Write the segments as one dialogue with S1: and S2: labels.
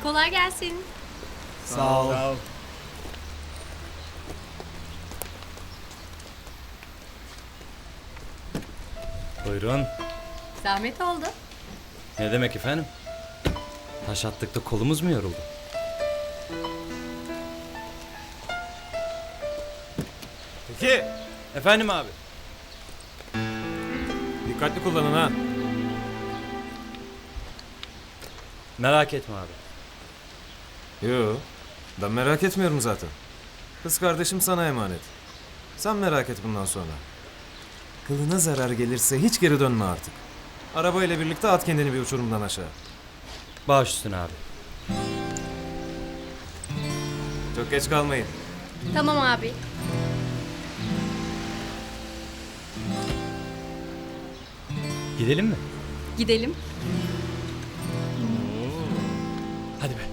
S1: Kolay gelsin.
S2: Sağ ol.
S3: Buyurun.
S1: Zahmet oldu.
S3: Ne demek efendim? Taş attıkta kolumuz mu yoruldu?
S2: Peki.
S3: Efendim abi.
S2: Dikkatli kullanın ha.
S3: Merak etme abi.
S4: Yo, ben merak etmiyorum zaten. Kız kardeşim sana emanet. Sen merak et bundan sonra. Kılına zarar gelirse hiç geri dönme artık. Arabayla birlikte at kendini bir uçurumdan aşağı.
S3: Baş üstüne abi.
S4: Çok geç kalmayın.
S1: Tamam abi.
S3: Gidelim mi?
S1: Gidelim.
S3: Hadi be.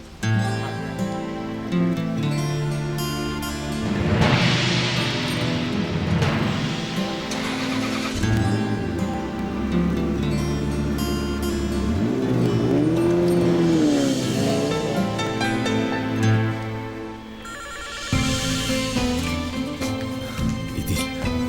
S4: İdil.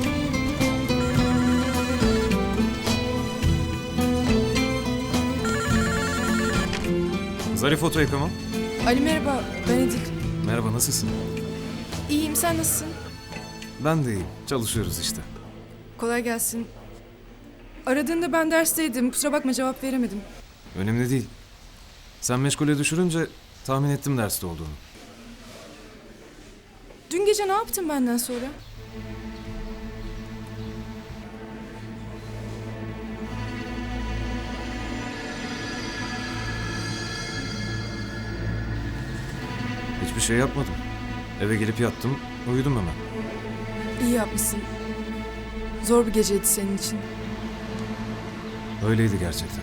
S4: Zarif oto yıkama.
S5: Ali merhaba, ben Edil.
S4: Merhaba, nasılsın?
S5: İyiyim, sen nasılsın?
S4: Ben de iyiyim. Çalışıyoruz işte.
S5: Kolay gelsin. Aradığında ben dersteydim, kusura bakma cevap veremedim.
S4: Önemli değil. Sen meşgule düşürünce tahmin ettim derste olduğunu.
S5: Dün gece ne yaptın benden sonra?
S4: Hiçbir şey yapmadım. Eve gelip yattım, uyudum hemen.
S5: İyi yapmışsın. Zor bir geceydi senin için.
S4: Öyleydi gerçekten.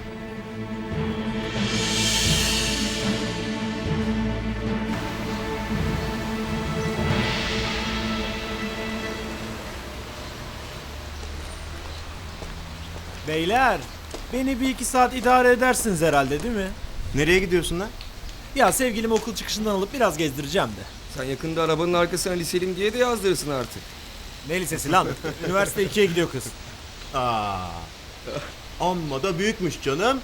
S2: Beyler, beni bir iki saat idare edersiniz herhalde değil mi?
S6: Nereye gidiyorsun lan?
S2: Ya sevgilimi okul çıkışından alıp biraz gezdireceğim de.
S7: Sen yakında arabanın arkasına liselim diye de yazdırırsın artık.
S2: Ne lisesi lan? Üniversite 2'ye gidiyor kız.
S6: Aa. Amma da büyükmüş canım.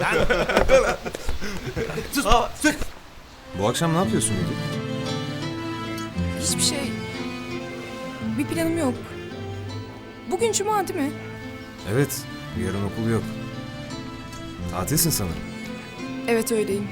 S2: Sus! Sus!
S4: Bu akşam ne yapıyorsun İdil?
S5: Hiçbir şey. Bir planım yok. Bugün cuma değil mi?
S4: Evet, yarın okul yok. Tatilsin sanırım.
S5: Evet öyleyim.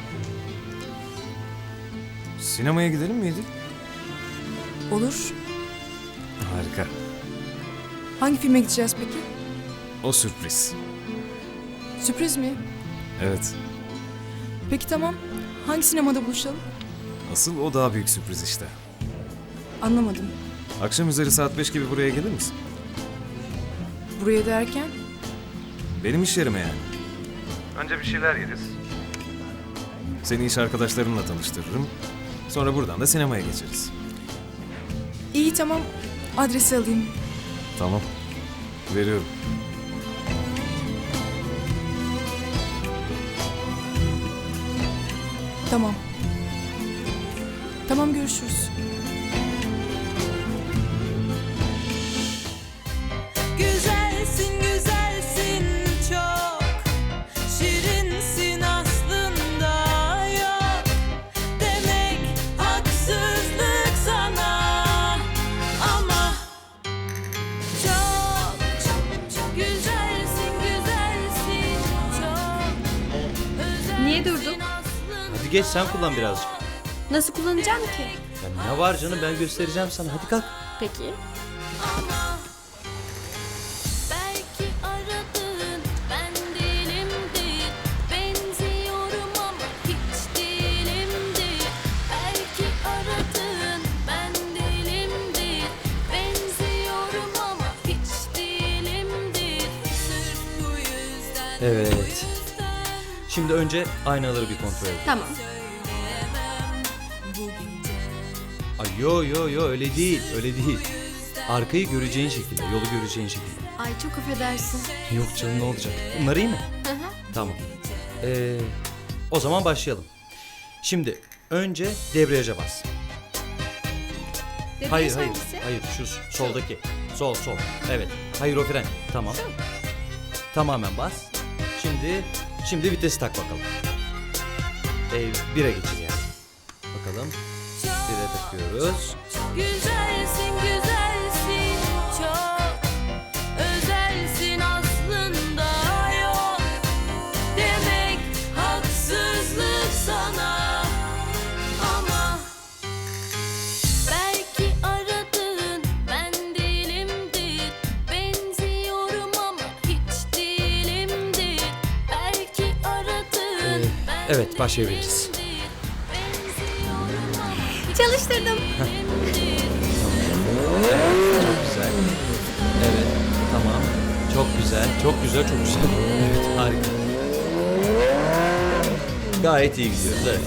S4: Sinemaya gidelim mi İdil?
S5: Olur.
S4: Harika.
S5: Hangi filme gideceğiz peki?
S4: O sürpriz.
S5: Sürpriz mi?
S4: Evet.
S5: Peki tamam. Hangi sinemada buluşalım?
S4: Asıl o daha büyük sürpriz işte.
S5: Anlamadım.
S4: Akşam üzeri saat 5 gibi buraya gelir misin?
S5: Buraya derken?
S4: Benim iş yerime yani. Önce bir şeyler yeriz. Seni iş arkadaşlarımla tanıştırırım. Sonra buradan da sinemaya geçeriz.
S5: İyi tamam. Adresi alayım.
S4: Tamam. Veriyorum.
S5: Tamam. Tamam görüşürüz.
S8: Güzelsin güzelsin çok, şirinsin aslında yok demek haksızlık sana, ama çok güzelsin güzelsin çok özelsin.
S1: Niye durdun?
S3: Hadi geç sen kullan birazcık.
S1: Nasıl kullanacağım ki?
S3: Ya ne var canım, ben göstereceğim sana. Hadi kalk.
S1: Peki.
S8: Ama belki aradığın ben değilimdir. Benziyorum ama hiç değilimdir. Belki aradığın ben değilimdir. Benziyorum ama hiç değilimdir. Sırf bu yüzden.
S3: Evet. Şimdi önce aynaları bir kontrol edelim.
S1: Tamam.
S8: Söyleyemem bu gece.
S3: Ay yo öyle değil, öyle değil. Arkayı göreceğin şekilde, yolu göreceğin şekilde.
S1: Ay çok affedersin.
S3: Yok canım, ne olacak? Bunlar iyi mi?
S1: Hı hı.
S3: Tamam. O zaman başlayalım. Şimdi önce debriyaja bas.
S1: Debriyaj
S3: Hayır hayır.
S1: hangisi?
S3: Hayır şu soldaki. Sol. Evet. Hayır o fren. Tamam. Tamamen bas. Şimdi vitesi tak bakalım. 1'e geçir yani. Bakalım. 1'e takıyoruz.
S8: Güzelsin güzelsin çok özelsin aslında yok demek haksızlık sana ama belki aradığın ben değilimdir benziyorum ama hiç değilimdir belki aradığın ben
S3: Evet başlayabiliriz.
S8: değilimdir, benziyorum ama
S1: Çalıştırdım.
S3: Çok güzel. Evet tamam. Çok güzel. Evet harika. Gayet iyi gidiyoruz evet.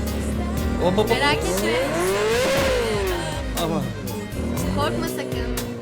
S3: Hop.
S1: Merak etme.
S3: Ama
S1: Korkma sakın.